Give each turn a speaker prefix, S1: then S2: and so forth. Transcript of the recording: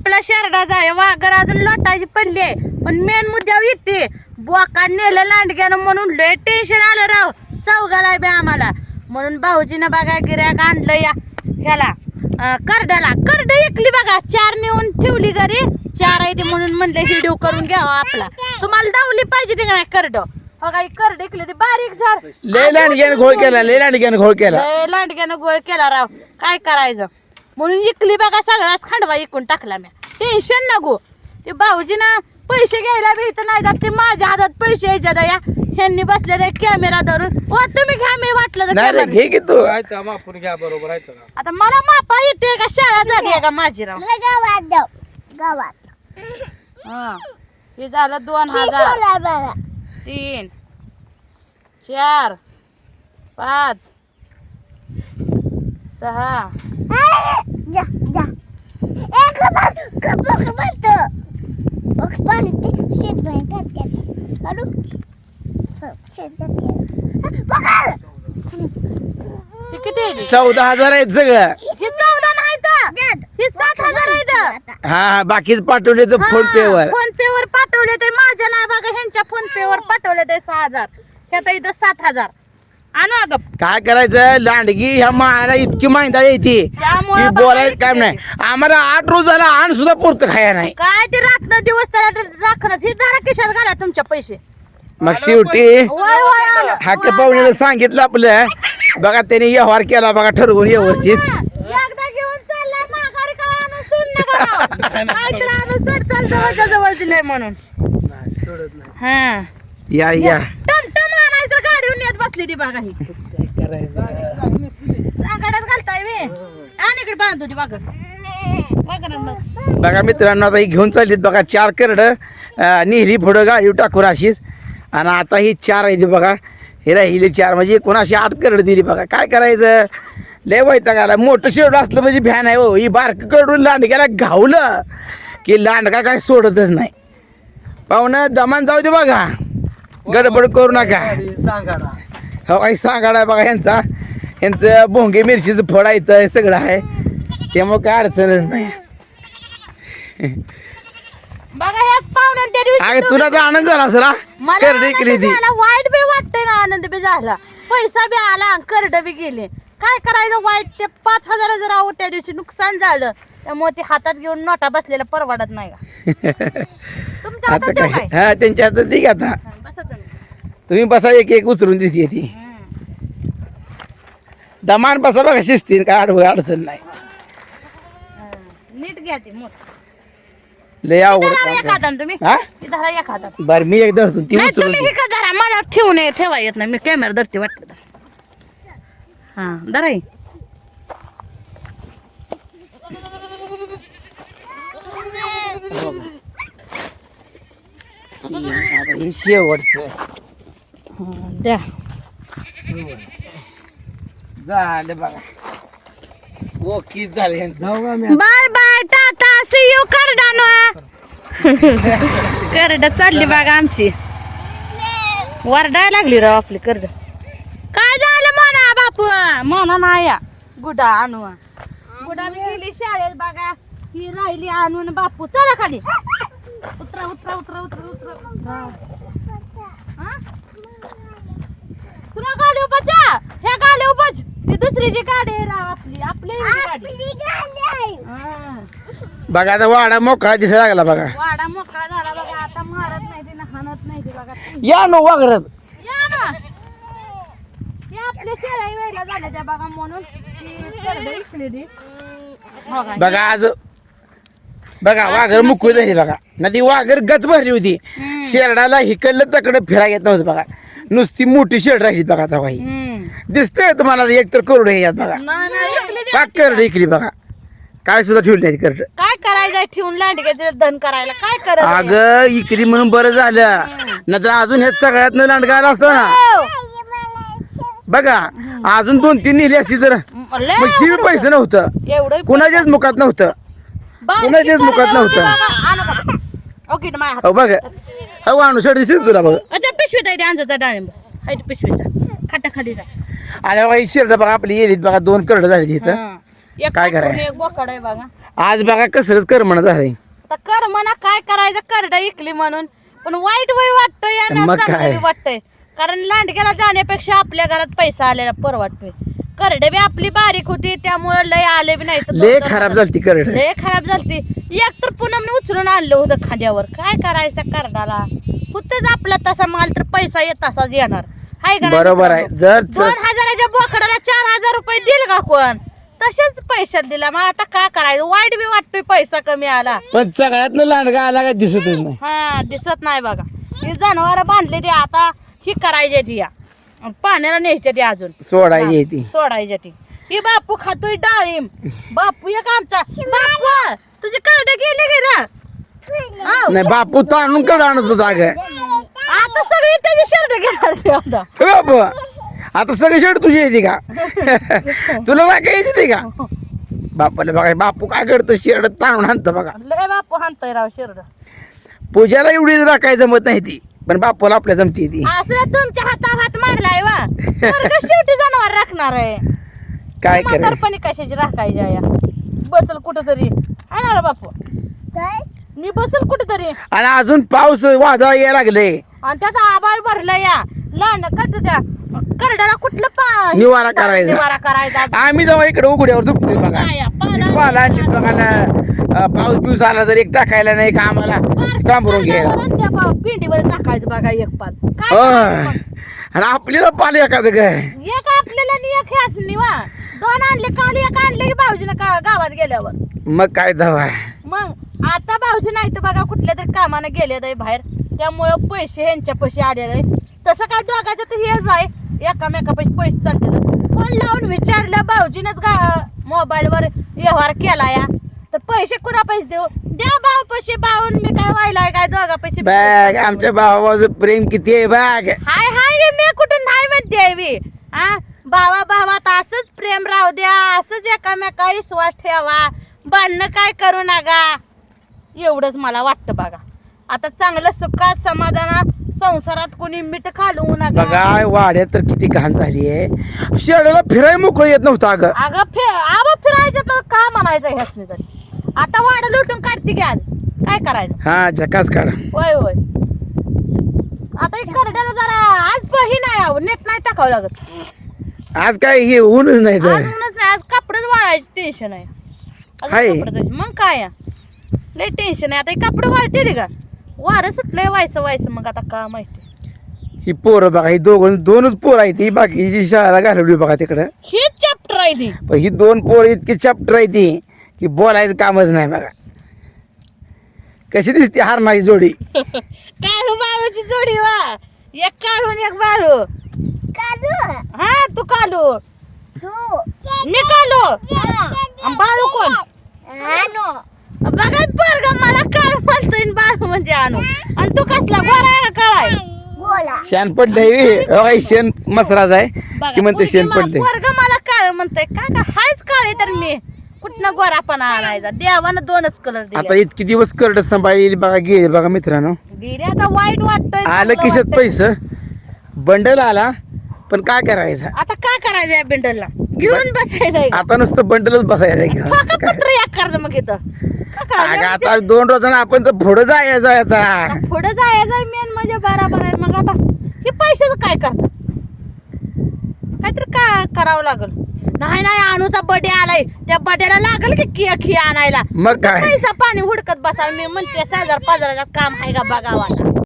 S1: आपला शेरडा जाय वाघर अजून लोटायची पडली आहे. पण मेन मुद्द्यावर येते बोका नेलं लांडग्यानं म्हणून लय टेन्शन आलं राव चौघाला बी आम्हाला. म्हणून भाऊजीनं बघा गिऱ्हाईक आणलं या ह्याला करड्याला. करड एकली बघा 4 नेऊन ठेवली घरी 4 आहे ती म्हणून म्हणलं हिडिओ करून घ्यावा आपला. तुम्हाला दावली पाहिजे ते नाही करड बघा करड एकली ती बारीक झाड
S2: लय लांडग्यानं घोळ केला लय लांडग्यानं घोळ केला
S1: लय लांडग्यानं गोळ केला राव. काय करायचं म्हणून इकली बघा सगळाच खांडवा इकून टाकला मी. टेन्शन नको ते भाऊजीनं पैसे घ्यायला बी इथं नाही जात ते माझ्या हातात पैसे यायच्या दया ह्यांनी बसलेले कॅमेरा धरून. ओ तुम्ही घ्या मी वाटलं तर
S2: नाही रे
S1: camera.
S2: घे की तू
S3: मापून घ्या बरोबर आहे का
S1: आता मला मापा येते का शाळा झाली आहे का माझी राव. हा हे झालं 2000 3 4 5 6 हे किती आहे?
S2: 14,000 आहेत सगळं.
S1: हे 14 नाही तर हे 7,000 आहे तर.
S2: हा बाकीच पाठवले तर फोन पे वर.
S1: फोन पे वर पाठवले ते माझ्या नाही बघा ह्यांच्या फोन पे वर पाठवले ते 6,000 ह्यात इथं 7,000 आणू अगं.
S2: काय करायचं लांडगी ह्या मायाला इतकी माहिती येते
S1: त्यामुळे
S2: की बोलायचं काम नाही. आम्हाला 8 रोज झाला आण सुद्धा पुरतं खाया नाही.
S1: काय ते रात्र दिवस त्याला राखणं हे जरा खिशात घाला तुमच्या पैसे.
S2: मग शेवटी
S1: वय वय आलं.
S2: हाके पाहुण्याला सांगितलं आपलं बघा त्याने व्यवहार केला बघा ठरवून व्यवस्थित.
S1: एकदा घेऊन चालला माघारी का आणून सोड नका राव. नाहीतर आणून सोड चाल जवळच्या जवळ दिलंय म्हणून. हा
S2: या या
S1: टमटम आणायचं गाडीवर येत बसली ती बघा ही. गाड्यात घालताय मी आणि इकडे बांधतो ती बघा
S2: बघा मित्रांनो आता ही घेऊन चाललीत बघा 4 करड नेहली पुढं गाडी टाकून अशीच. आणि आता ही 4 आहे ती बघा हे राहिले 4 म्हणजे कोणाशी 8 करड दिली बघा. काय करायचं लय वैताग आला. मोठं शेवड असलं म्हणजे भ्यान आहे हो. ही बारकं कडून लांडग्याला घावलं की लांडगा काय सोडतच नाही. पाहुणं दमान जाऊ दे बघा गडबड करू नका. हो काही सांगाडा बघा यांचं भोंगे मिरचीचं फळ आहे सगळं आहे त्यामुळे काय अडचणच नाही.
S1: बघा ह्याच पाहुण्यान त्या दिवशी
S2: अगं तुला तर आनंद झाला असेल हा?
S1: मला
S2: करडी
S1: आनंद
S2: केली ती
S1: झाला, वाईट बी वाटतंय ना आनंद बी झाला. पैसा बी आला करड बी गेले. काय करायचं वाईट ते 5,000 जर आहो त्या दिवशी नुकसान झालं त्यामुळे ते हातात घेऊन नोटा बसलेला परवडत नाही का. तुमच्या हातात
S2: आता
S1: देऊ
S2: काय
S1: काय
S2: हा त्यांच्या हातात ती आता
S1: हा, बसा तुम्ही.
S2: तुम्ही बसा एक एक उचलून देते ती दमान बसा बघा शिस्तीन काय अडचण नाही.
S1: नीट घ्या ते मोठ
S2: लय अवघड
S1: धरा एक
S2: काम
S1: हातानं तुम्ही
S2: हा?
S1: ती धरा एक हातात.
S2: बरं मी एक धरतो ती
S1: नाही
S2: उचलून
S1: तुम्ही
S2: दे.
S1: हे का धरा मला ठेवू नये ठेवा येत नाही मी कॅमेरा धरते वाटतं तर. हा धरा हे.
S2: आता हे शेवटचं
S1: द्या
S2: झालं बघा ओके झालं यांचं.
S1: Bye bye tata see you करडानो. करड चालली बघा आमची वरडाय लागली राव आपली करड. काय झालं म्हणा बापू म्हणा नाही या गुडा आणू गुडा मी गेली शाळेत बघा ही राहिली आणून बापू चला खाली उतरा उतरा उतरा उतरा उतरा. हा? तुला गाडी उभाच्या ह्या गाडी उभाच ती दुसरीची गाडी आहे राव आपली आपली गाडी. हा.
S2: बघा आता वाडा मोकळा दिसायला लागला बघा.
S1: वाडा मोकळा झाला बघा आता मारत नाही ते हाणत नाही ते बघा.
S2: या नो वागरत
S1: या ना हे आपल्या शेळ्या वेळेला झाल्या त्या बघा म्हणून ती करड इकली ती. हो का?
S2: बघा आज बघा वाघर मुकळी झाली बघा ना ती वाघर गच भरली होती. शेरडाला हिकडलं तकडं फिरा येत नव्हतं बघा नुसती मोठी शेड राहिली बघा आता बाई दिसतंय तुम्हाला एक तर करोड यात बघा
S1: नाही, नाही, इकली ती.
S2: का करड इकली बघा काय सुद्धा ठेवली नाही करड.
S1: काय करायचं ठेवून लांडग्याचं धन करायला काय करत
S2: अगं इकली म्हणून बरं झालं नाही तर अजून हे सगळ्यात लांडगा आला असतो ना बघा अजून 2-3 नेली असती तर मग ही पैसे नव्हतं
S1: एवढं
S2: कुणाच्याच मुखात नव्हतं कुणाच्याच मुखात नव्हतं.
S1: ओके माझ्या
S2: हो बघा हो आणू शेड दिसत तुला बघ
S1: अच्छा पिशवीत आहे ते अंजाचा डाळिंब आहे ते पिशवीचा खाटा खाली जा.
S2: आणि बघा ही शेरड बघा आपली येलीत बघा 2 करड झाली इथं
S1: एक
S2: काय
S1: कापून
S2: कराय
S1: एक बोकड आहे बघा.
S2: आज बघा कसरच कर म्हणत झालंय.
S1: आता कर म्हणा काय करायचं, करडा इकली म्हणून. पण वाईट वय वाटतंय आणि
S2: मग
S1: चांगलं
S2: काय?
S1: बी वाटतंय. कारण लांडग्याला जाण्यापेक्षा आपल्या घरात पैसा आलेला परवडतोय. करडे बी आपली बारीक होती त्यामुळे लय आले बी नाही.
S2: लय खराब झालती करड.
S1: लय खराब झालती. एक तर पुन्हा उचलून आणलं होतं खांद्यावर. काय करायचं करडाला, होतच आपला तसा माल तर पैसा येत तसाच येणार. हाय का नाही
S2: बरोबर आहे.
S1: मित्रांनो?
S2: जर
S1: 2000च्या बोकडाला 4000 रुपये दिल का कोण? तसेच पैशात दिला. मग आता काय करायचं, वाईट बी वाटतोय पैसा कमी आला.
S2: पण सगळ्यातनं लांडगा आला काय दिसतच नाही.
S1: हा दिसत नाही बघा. ही जनावर बांधले ते आता ही करायची ती या पाण्याला न्यायच्या ती अजून
S2: सोडायची ती.
S1: सोडायच्या ती. ही बापू खातोय डाळिंब. बापू एक आमचा बापू तुझी करडे गेले गे ना. हाव.
S2: नाही बापू ताणून कड आणत होता अगं.
S1: आता सगळी त्याची शर्ट घेणार ते आता.
S2: हे बापू आता सगळी शेड तुझी येते का? तुला काय काय येते का? बापाला बघा बापू काय करतो, शेड ताणून आणतो बघा.
S1: लय बापू हाणतोय राव शर्ट.
S2: पूजाला एवढी राखाय जमत नाही ती, पण बापूला आपल्या जमती ती.
S1: असं तुमच्या हातावर हात मारलाय वा. पोरगं शेवटी जनावर राखणार आहे.
S2: काय करायचं?
S1: म्हातारपणी कशाची राखायची आहे या. बसल कुठंतरी आणणार बापू. मी बसल कुठंतरी.
S2: आणि अजून पाऊस वादळ यायला लागले.
S1: आणि त्यात आबाळ भरलं या लहान कट त्या करड्याला कुठलं
S2: निवारा करायचा.
S1: निवारा करायचा.
S2: आम्ही जेव्हा इकडे उघड्यावर झोपतोय बघा,
S1: काय या, पाला-
S2: पाला आणलीत बघा ना. पाऊस बिऊस आला तर एक टाकायला नाही का आम्हाला काम करून घ्यायला.
S1: करड्यावर आणि त्या पिंडीवर टाकायचं बघा एक पाल. काय
S2: होय.
S1: करायचं मग?
S2: आणि आपल्याला पाल एखादं काय.
S1: एक आपल्याला आणि एक ह्याच निवा. दोन आणले काल एक आणले की भाऊजीनं गावात गेल्यावर.
S2: मग काय दवा.
S1: मग आता भाऊजी नाही तर बघा कुठल्या तरी कामानं गेले आहे बाहेर. त्यामुळं पैसे ह्यांच्या पैसे आलेले आहे. तसं काय दोघांचं तर हेच आहे, एकामेकापाशी पैसे चालते. फोन लावून विचारलं भाऊजीनंच मोबाईलवर व्यवहार केला या तर पैसे कुणा पैसे देऊ द्या भाऊ पैसे. भाऊन मी काय व्हायलाय काय दोघा पैसे
S2: बॅग आमच्या भावाचं प्रेम किती आहे बॅग.
S1: हाय हाय मी कुठं नाही म्हणते मी. हा भावा भावात असंच प्रेम राहू द्या, असंच एकामेका विश्वास ठेवा, भांडणं काय करू नका. एवढंच मला वाटतं बघा. आता चांगलं सुखात समाधानात संसारात कोणी मीठ घालवू नका.
S2: बघा वाड्यात तर किती घाण झाली आहे. शेडाला फिराय मोकळं येत नव्हतं अगं.
S1: अगं फिरायचं तर का म्हणायचं ह्यासनी तरी. आता वाडा लुटून काढते की आज काय करायचं.
S2: हा झकास काढ.
S1: होय होय. आता एक करड्याला जरा आज ही नाही आहो नेट नाही टाकावं लागत.
S2: आज काय हे ऊनच नाही
S1: आज
S2: तर.
S1: ऊनच नाही, आज कपडेच वाळायचं टेन्शन आहे. अजून
S2: हाय.
S1: कपडे धुवायचे. मग काय लय टेन्शन आहे. आता हे कपडे वाळते का वारं सुटलंय व्हायचं मग आता का माहिती.
S2: ही पोरं बघा, ही दोनच पोरं आहेत. ही बाकीची शाळेला घालवली बघा तिकडं.
S1: हे चॅप्टर राहिली.
S2: पण ही दोन पोरं इतकी चॅप्टर आहे ती की बोलायचं कामच नाही बघा. कशी दिसते हारणाची जोडी.
S1: काळू बाळूची जोडी वा. एक काळू आणि एक बाळू. हा तू कालू मी कालू. आणि बाळू कोण बघा पोरग मला काळू म्हणतोय आणि बाळू म्हणजे आणू. आणि तू कसला गोरा आहे का काळा आहे.
S2: शेण पडलंय शेण मसराज आहे की म्हणते शेण पडलंय.
S1: पोरग मला काळ म्हणतोय काय का हायच काळे तर मी कुठनं गोरापणा आणायचा. देवानं दोनच कलर
S2: आता
S1: दिले.
S2: इतकी दिवस करड सांभाळली बघा, गेली बघा मित्रांनो.
S1: गेले आता वाईट वाटतंय.
S2: आलं
S1: चांगलं
S2: खिशात
S1: वाटतंय.
S2: पैसे बंडल आला, पण काय करायचं
S1: आता काय करायचं या बिंडलला घेऊन बसायचं
S2: आता नुसतं बंडलच बसायचं घेऊन.
S1: पत्र या कर मग इथं काय
S2: अगं
S1: करायचं.
S2: आता 2 रोजानं आपण तर पुढं जायचं आहे आता.
S1: पुढे जायचं मेन म्हणजे बराबर आहे. मग आता हे पैशाचं काय करतात, काहीतरी का करावं लागल. नाही अनुचा बर्थडे आलाय त्या बर्थडेला लागल की केक आणायला.
S2: मग काय
S1: पैसा पाणी हुडकत बसा. मी म्हणते 1000-1500 काम आहे का बघावा.